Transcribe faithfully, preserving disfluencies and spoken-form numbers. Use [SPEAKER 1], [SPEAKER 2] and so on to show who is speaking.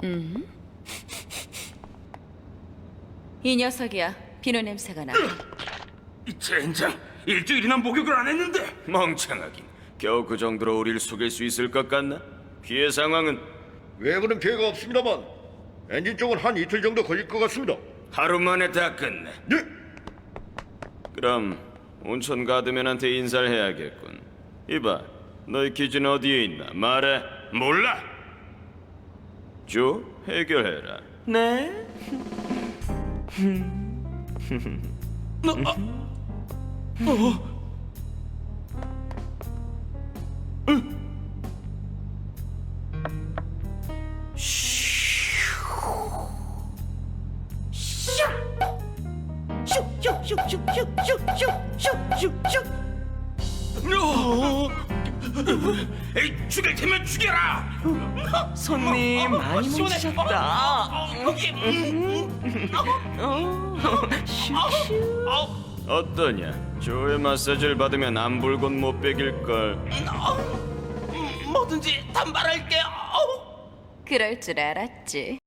[SPEAKER 1] 음. 이 녀석이야. 비누 냄새가 나.
[SPEAKER 2] 이 젠장, 일주일이나 목욕을 안 했는데.
[SPEAKER 3] 멍청하긴. 겨우 그 정도로 우릴 속일 수 있을 것 같나? 피해 상황은
[SPEAKER 4] 외부는 피해가 없습니다만 엔진 쪽은 한 이틀 정도 걸릴 것 같습니다.
[SPEAKER 3] 하루 만에 다 끝내.
[SPEAKER 4] 네.
[SPEAKER 3] 그럼 온천 가드맨한테 인사를 해야겠군. 이봐, 너희 기준 어디에 있나? 말해.
[SPEAKER 2] 몰라.
[SPEAKER 3] 조, 해결해라.
[SPEAKER 5] 네?
[SPEAKER 2] 너, 아, 어. 에이, 죽일 테면 죽여라.
[SPEAKER 5] 손님 많이 뭉치셨다.
[SPEAKER 3] 어떠냐? 조의 마사지를 받으면 안 불곤 못 베길걸.
[SPEAKER 5] 뭐든지 단발할게요.
[SPEAKER 1] 그럴 줄 알았지.